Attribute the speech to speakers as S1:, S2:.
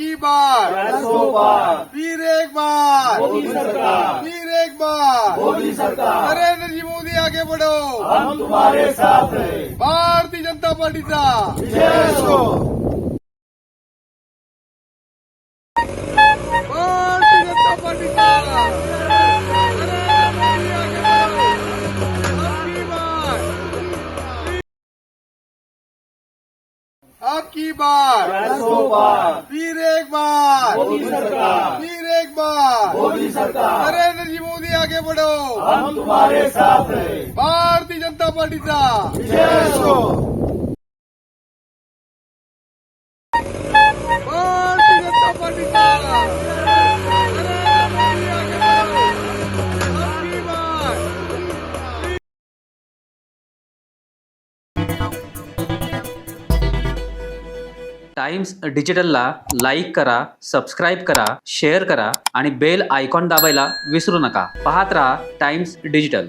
S1: की बार,
S2: 400 बार,
S1: फिर एक बार,
S2: मोदी सरकार,
S1: फिर एक बार,
S2: मोदी सरकार,
S1: नरेंद्र जी मोदी आगे बढ़ो,
S2: हम तुम्हारे साथ हैं।
S1: भारतीय जनता पार्टीचा
S2: विजय असो.
S1: भारतीय जनता पार्टीचा नरेंद्र मोदी आगे बढ़ो, अब की बार,
S2: 400 बार,
S1: फिर एक बार,
S2: मोदी सरकार,
S1: फिर एक बार,
S2: मोदी सरकार,
S1: नरेंद्र जी मोदी आगे बढ़ो,
S2: हम तुम्हारे साथ हैं.
S1: भारतीय जनता पार्टीचा
S2: विजय असो.
S1: भारतीय जनता पार्टीचा नरेंद्र मोदी आगे बढ़ो, अब की बार.
S3: टाइम्स डिजिटलला लाईक करा, सबस्क्राईब करा, शेअर करा आणि बेल आयकॉन दाबायला विसरू नका. पाहत रहा टाइम्स डिजिटल.